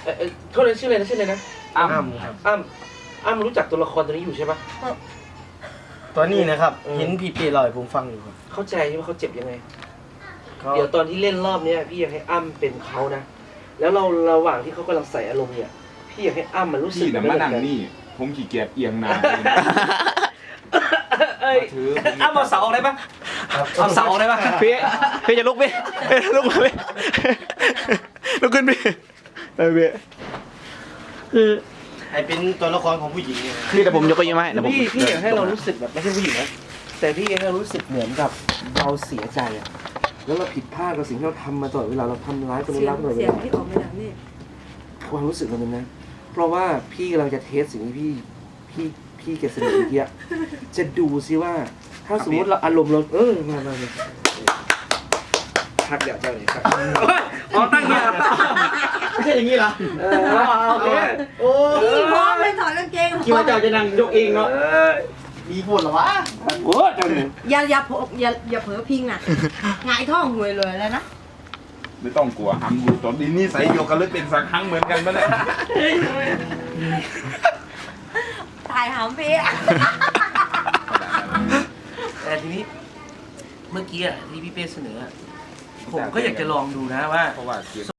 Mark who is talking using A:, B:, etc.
A: โทษนะชื่ออะไรนะ
B: อ้ำครับ
A: อ้ำรู้จักตัวละครตัวนี้อยู่ใช่ปะ
B: ตัวนี้นะครับเห็นพี่ปีลอยผมฟังอยู่ครับ
A: เข้าใจใช่ไหมเขาเจ็บยังไงเดี๋ยวตอนที่เล่นรอบเนี้ยพี่อยากให้อ้ำเป็นเขานะแล้วเราระหว่างที่เขากำลังใส่อารมณ์เนี่ยพี่อยากให้อ้ำมันรู้สึก
C: พี่แต่มานั่งนี่ผมขี้เกียจเอียงหน้า
A: อ้ำเอาเสาออกได้ปะเอาเสาออกได้ปะ
D: พี่จะลุกพี่ลุกมาพี่ลุกขึ้นพี่พี่คือ
B: ไอเป็นตัวละครของผู้หญิงเนี่ย
D: พี่แต่ผมยกเก้าอี้มาให้นะผม
A: พี่อยากให้เรารู้สึกแบบไม่ใช่ผู้หญิงนะแต่พี่อยากให้เรารู้สึกเหมือนกับเราเสียใจอะแล้วเราผิดพลาดกับสิ่งที่เราทำมาตลอดเวลาเราทำร้ายคน
E: เสี
A: นี้
E: ย
A: รั
E: ง
A: กตลอดเว
E: เสียง
A: ลา
E: ที่ออกมาจากนี่
A: ความรู้สึกมันเป็นนะเพราะว่าพี่กำลังจะเทสสิ่งที่พี่แกเสนอเมื่อกี้จะดูซิว่า ถ้าสมมติเราอารมณ์เรามาพักเดี๋ยวเจ้าเลยครับอ๋อตั้งเงี้ย
B: ไม่ใช่อย่างนี้เหรอ
A: โอเคโอ้
E: พี่พร้อมเลยถอดกางเกง
B: คิดว่าเจ้าจะนั่งยกเองเนาะมีพูดหรอวะ
A: โหเจ้าหนึ่ง
E: อย่าเผลอพิงอ่ะหงายท้องหวยเลยแล้วนะ
C: ไม่ต้องกลัวอ้ำรู้ตอนนี้นี่ใส่โยกันเลยเป็นสักครั้งเหมือนกันปะเนี่ย
E: ถ่ายหามพี่
A: แต่ทีนี้เมื่อกี้ที่พี่เป้เสนอผมก็อยากจะลองดูนะว่า
C: เพราะว่าเกียร